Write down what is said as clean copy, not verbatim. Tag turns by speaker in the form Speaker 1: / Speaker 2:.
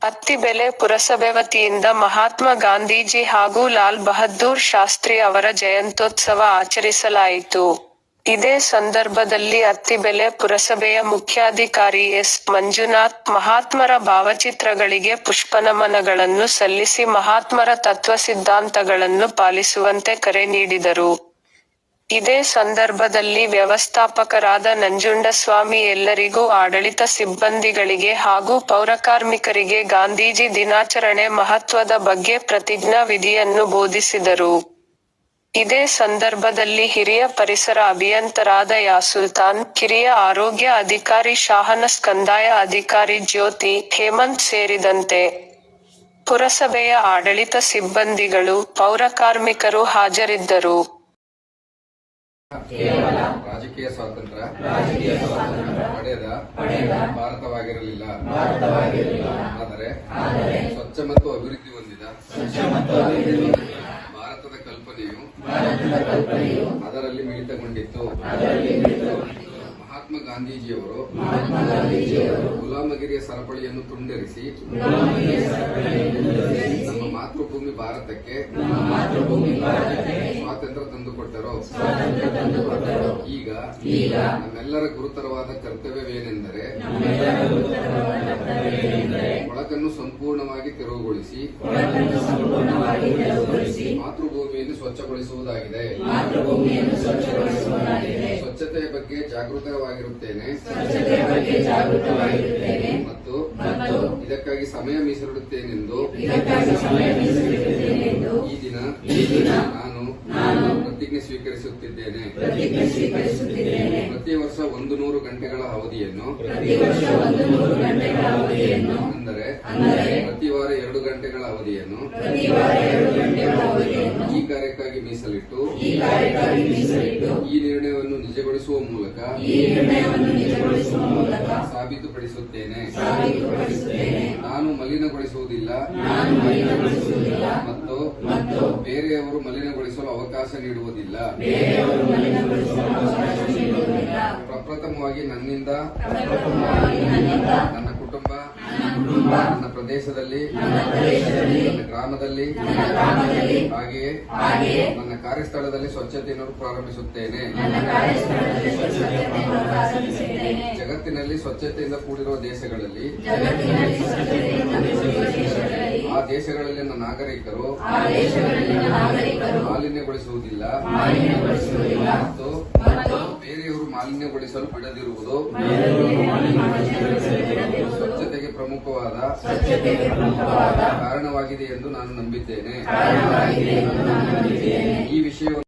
Speaker 1: ಅತ್ತಿಬೆಲೆ ಪುರಸಭೆ ವತಿಯಿಂದ ಮಹಾತ್ಮ ಗಾಂಧೀಜಿ ಹಾಗೂ ಲಾಲ್ ಬಹದ್ದೂರ್ ಶಾಸ್ತ್ರಿ ಅವರ ಜಯಂತ್ಯೋತ್ಸವ ಆಚರಿಸಲಾಯಿತು. ಇದೇ ಸಂದರ್ಭದಲ್ಲಿ ಅತ್ತಿಬೆಲೆ ಪುರಸಭೆಯ ಮುಖ್ಯಾಧಿಕಾರಿ ಎಸ್. ಮಂಜುನಾಥ್ ಮಹಾತ್ಮರ ಭಾವಚಿತ್ರಗಳಿಗೆ ಪುಷ್ಪನಮನಗಳನ್ನು ಸಲ್ಲಿಸಿ ಮಹಾತ್ಮರ ತತ್ವ ಸಿದ್ಧಾಂತಗಳನ್ನು ಪಾಲಿಸುವಂತೆ ಕರೆ ನೀಡಿದರು. ಇದೇ ಸಂದರ್ಭದಲ್ಲಿ ವ್ಯವಸ್ಥಾಪಕರಾದ ನಂಜುಂಡಸ್ವಾಮಿ ಎಲ್ಲರಿಗೂ ಆಡಳಿತ ಸಿಬ್ಬಂದಿಗಳಿಗೆ ಹಾಗೂ ಪೌರಕಾರ್ಮಿಕರಿಗೆ ಗಾಂಧೀಜಿ ದಿನಾಚರಣೆ ಮಹತ್ವದ ಬಗ್ಗೆ ಪ್ರತಿಜ್ಞಾ ವಿಧಿಯನ್ನು ಬೋಧಿಸಿದರು. ಇದೇ ಸಂದರ್ಭದಲ್ಲಿ ಹಿರಿಯ ಪರಿಸರ ಅಭಿಯಂತರಾದ ಯಾಸುಲ್ತಾನ್, ಕಿರಿಯ ಆರೋಗ್ಯ ಅಧಿಕಾರಿ ಶಾಹನಸ್, ಕಂದಾಯ ಅಧಿಕಾರಿ ಜ್ಯೋತಿ, ಹೇಮಂತ್ ಸೇರಿದಂತೆ ಪುರಸಭೆಯ ಆಡಳಿತ ಸಿಬ್ಬಂದಿಗಳು, ಪೌರಕಾರ್ಮಿಕರು ಹಾಜರಿದ್ದರು.
Speaker 2: ರಾಜಕೀಯ ಸ್ವಾತಂತ್ರ್ಯ ಪಡೆದ ಭಾರತವಾಗಿರಲಿಲ್ಲ. ಆದರೆ ಸ್ವಚ್ಛ ಮತ್ತು ಅಭಿವೃದ್ಧಿ ಹೊಂದಿದ ಭಾರತದ ಕಲ್ಪನೆಯು ಅದರಲ್ಲಿ ಮಿಳಿತಗೊಂಡಿತ್ತು. ಮಹಾತ್ಮ ಗಾಂಧೀಜಿಯವರು ಗುಲಾಮಗಿರಿಯ ಸರಪಳಿಯನ್ನು ತುಂಡರಿಸಿ ನಮ್ಮ ಮಾತೃಭೂಮಿ ಭಾರತಕ್ಕೆ ಸ್ವಾತಂತ್ರ್ಯ ತಂದುಕೊಟ್ಟರು. ಈಗ ನಮ್ಮೆಲ್ಲರ ಗುರುತರವಾದ ಕರ್ತವ್ಯವೇನೆಂದರೆ ಒಳಗನ್ನು ಸಂಪೂರ್ಣವಾಗಿ ತೆರವುಗೊಳಿಸಿ ಮಾತೃಭೂಮಿಯನ್ನು ಸ್ವಚ್ಛಗೊಳಿಸುವುದಾಗಿದೆ. ಸ್ವಚ್ಛತೆಯ ಬಗ್ಗೆ ಜಾಗೃತವಾಗಿರುತ್ತೇನೆ ಮತ್ತು ಇದಕ್ಕಾಗಿ ಸಮಯ ಮೀಸಲಿಡುತ್ತೇನೆಂದು ಈ ದಿನ ನಾನು ಪ್ರತಿಜ್ಞೆ ಸ್ವೀಕರಿಸುತ್ತಿದ್ದೇನೆ. ಪ್ರತಿ ವರ್ಷ 100 ಗಂಟೆಗಳ ಅವಧಿಯನ್ನು ಅಂದರೆ ಪ್ರತಿ ವಾರ 2 ಗಂಟೆಗಳ ಅವಧಿಯನ್ನು ಈ ಕಾರ್ಯಕ್ಕಾಗಿ ಮೀಸಲಿಟ್ಟು ಈ ನಿರ್ಣಯವನ್ನು ನಿಜಗೊಳಿಸುವ ಮೂಲಕ ಸಾಬೀತುಪಡಿಸುತ್ತೇನೆ. ನಾನು ಮಲಿನಗೊಳಿಸುವುದಿಲ್ಲ ಮತ್ತು ಬೇರೆಯವರು ಮಲಿನಗೊಳಿಸಲು ಅವಕಾಶ ನೀಡುವುದಿಲ್ಲ. ಪ್ರಪ್ರಥಮವಾಗಿ ನನ್ನಿಂದ, ನನ್ನ ಕುಟುಂಬ, ನನ್ನ ಪ್ರದೇಶದಲ್ಲಿ, ನನ್ನ ಗ್ರಾಮದಲ್ಲಿ, ಹಾಗೆಯೇ ನನ್ನ ಕಾರ್ಯಸ್ಥಳದಲ್ಲಿ ಸ್ವಚ್ಛತೆಯನ್ನು ಪ್ರಾರಂಭಿಸುತ್ತೇನೆ. ಜಗತ್ತಿನಲ್ಲಿ ಸ್ವಚ್ಛತೆಯಿಂದ ಕೂಡಿರುವ ದೇಶಗಳಲ್ಲಿ ಆ ದೇಶಗಳಲ್ಲಿನ ನಾಗರಿಕರು ಮಾಲಿನ್ಯಗೊಳಿಸುವುದಿಲ್ಲ ಮತ್ತು ಬೇರೆಯವರು ಮಾಲಿನ್ಯಗೊಳಿಸಲು ಬಿಡದಿರುವುದು ಸ್ವಚ್ಛತೆಗೆ ಪ್ರಮುಖವಾದ ಕಾರಣವಾಗಿದೆ ಎಂದು ನಾನು ನಂಬಿದ್ದೇನೆ. ಈ ವಿಷಯವನ್ನು